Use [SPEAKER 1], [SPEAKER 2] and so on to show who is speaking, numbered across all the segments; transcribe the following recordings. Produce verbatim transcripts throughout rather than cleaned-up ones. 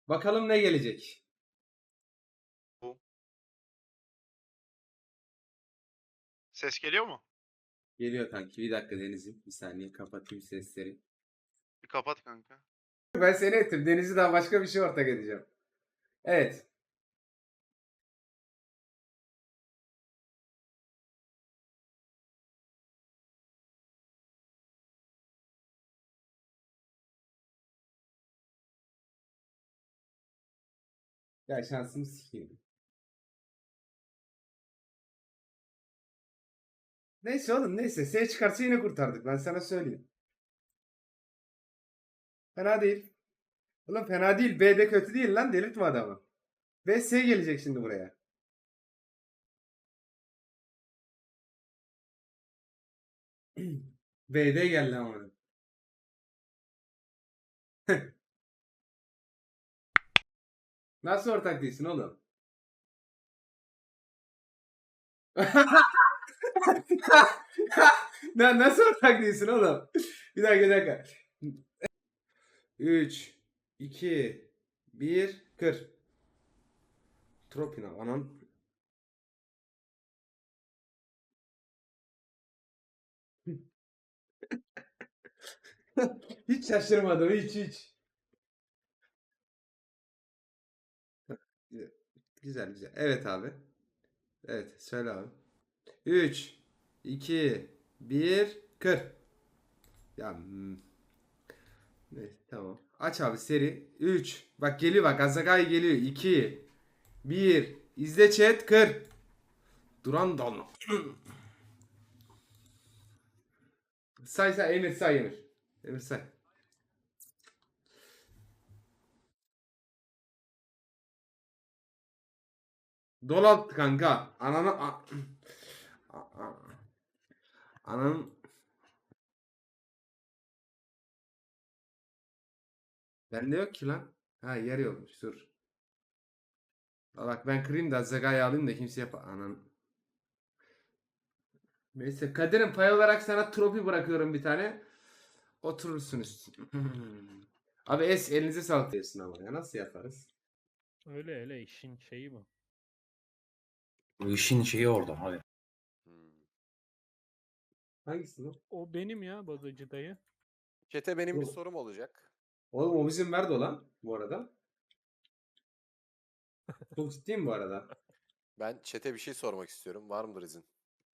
[SPEAKER 1] Bakalım ne gelecek.
[SPEAKER 2] Bu. Ses geliyor mu?
[SPEAKER 1] Geliyor kanki. Bir dakika Deniz'im. Bir saniye kapatayım sesleri.
[SPEAKER 2] Bir kapat kanka.
[SPEAKER 1] Ben seni ettim. Deniz'i daha başka bir şey ortak edeceğim. Evet. Ya şansımı sikeyim. Neyse oğlum neyse. S çıkarsa yine kurtardık. Ben sana söyleyeyim. Fena değil. Oğlum fena değil. B de kötü değil lan. Delirtme adamı. B S gelecek şimdi buraya. B'de geldi ama. Nasıl ortak değilsin oğlum? Na- Nasıl ortak değilsin oğlum? Bir dakika bir dakika. üç, iki, bir, kır. Tropina anam. Hiç şaşırmadım hiç hiç. Güzel güzel. Evet abi. Evet söyle abi. üç, iki, bir, kır. Ya hmm, neyse tamam. Aç abi seri. üç. Bak geliyor bak Azagai geliyor. iki, bir. İzle chat kır. Duran don. Say say Emir say Emir. Emir say. Dolat kanka. Ananı a- a- a- ananın bende yok ki lan. Ha yer yokmuş dur. Bak ben kırayım da Zaga'yı alayım da kimse yap. Anan. Neyse Kadir'im pay olarak sana trofi bırakıyorum bir tane. Oturursunuz. Abi es elinize sağlık diyorsun ama ya nasıl yaparız?
[SPEAKER 3] Öyle öyle işin şeyi bu.
[SPEAKER 4] Bu işin şeyi orada abi.
[SPEAKER 5] Hmm.
[SPEAKER 1] Hangisi bu?
[SPEAKER 3] O benim ya bagacı dayı.
[SPEAKER 5] Çete benim bir
[SPEAKER 1] Bu.
[SPEAKER 5] sorum olacak.
[SPEAKER 1] Oğlum o bizim Merdo lan bu arada. Çok ciddiyim bu arada.
[SPEAKER 5] Ben çete bir şey sormak istiyorum. Var mıdır izin?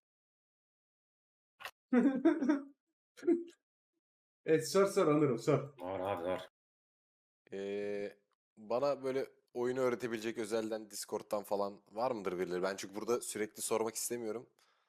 [SPEAKER 1] Evet sor sor Onur'um sor.
[SPEAKER 4] Var abi var.
[SPEAKER 5] Ee, bana böyle oyunu öğretebilecek özelden Discord'dan falan var mıdır birileri? Ben çünkü burada sürekli sormak istemiyorum.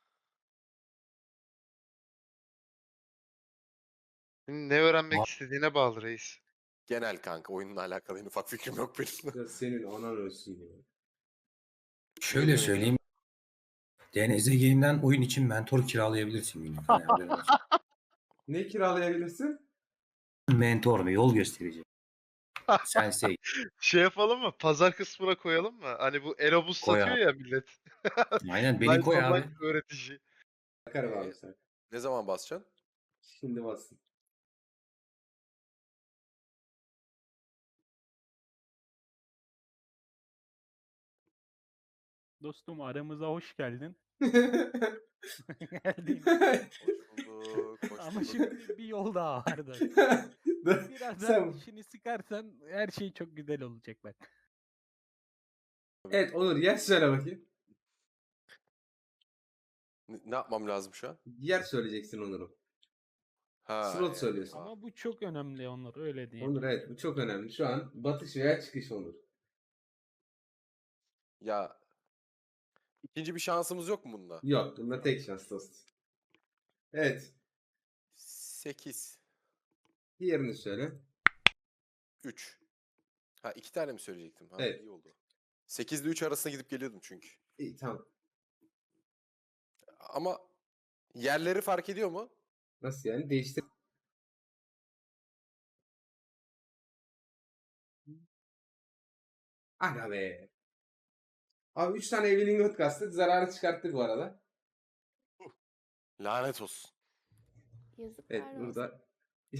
[SPEAKER 2] Ne öğrenmek
[SPEAKER 4] Var.
[SPEAKER 2] istediğine bağlı reis.
[SPEAKER 5] Genel kanka oyunla alakalı en ufak fikrim yok benim.
[SPEAKER 1] Ya senin anan ölsün ya.
[SPEAKER 4] Şöyle
[SPEAKER 5] demek
[SPEAKER 4] söyleyeyim. D N Z Game'den oyun için mentor kiralayabilirsin günlük. Hani haberin olsun.
[SPEAKER 1] Ne kiralayabilirsin?
[SPEAKER 4] Mentor mu? Yol gösterici. Sensei.
[SPEAKER 2] Şey yapalım mı? Pazar kısmına koyalım mı? Hani bu Erobus
[SPEAKER 4] Koy
[SPEAKER 2] satıyor
[SPEAKER 4] abi.
[SPEAKER 2] ya millet.
[SPEAKER 4] Aynen beni
[SPEAKER 2] Light
[SPEAKER 4] koy abi.
[SPEAKER 2] online öğretici.
[SPEAKER 1] Bakarım
[SPEAKER 5] Ee,
[SPEAKER 1] abi sen.
[SPEAKER 5] ne zaman basacaksın?
[SPEAKER 1] Şimdi bassın.
[SPEAKER 3] Dostum aramıza hoş geldin. Geldin.
[SPEAKER 5] Hoş bulduk, hoş
[SPEAKER 3] Ama
[SPEAKER 5] bulduk.
[SPEAKER 3] şimdi bir yol daha vardı.
[SPEAKER 1] Dur,
[SPEAKER 3] Birazdan
[SPEAKER 1] sen...
[SPEAKER 3] işini sıkarsan her şey çok güzel olacak bak.
[SPEAKER 1] Evet Onur yer söyle bakayım.
[SPEAKER 5] Ne, ne yapmam lazım şu an?
[SPEAKER 1] Yer söyleyeceksin Onur'um.
[SPEAKER 5] Ha,
[SPEAKER 1] Slot
[SPEAKER 5] e,
[SPEAKER 1] söylüyorsun.
[SPEAKER 5] aa.
[SPEAKER 3] Ama bu çok önemli Onur öyle diyeyim.
[SPEAKER 1] Onur evet bu çok önemli. Şu an batış veya çıkış Onur.
[SPEAKER 5] Ya ikinci bir şansımız yok mu bunda?
[SPEAKER 1] Yok bunda tek şans dost. Evet.
[SPEAKER 5] sekiz,
[SPEAKER 1] Diğerini söyle.
[SPEAKER 5] üç. Ha iki tane mi söyleyecektim? Ha
[SPEAKER 1] Evet.
[SPEAKER 5] iyi oldu. sekiz ile üç arasında gidip geliyordum çünkü.
[SPEAKER 1] İyi tamam.
[SPEAKER 5] Ama yerleri fark ediyor mu?
[SPEAKER 1] Nasıl yani? Değiştir. Aga be. Abi üç tane Evelyn Hood kastık. Zararı çıkarttık bu arada.
[SPEAKER 5] Lanet olsun.
[SPEAKER 6] Yazıklar
[SPEAKER 1] Evet
[SPEAKER 6] olsun.
[SPEAKER 1] burada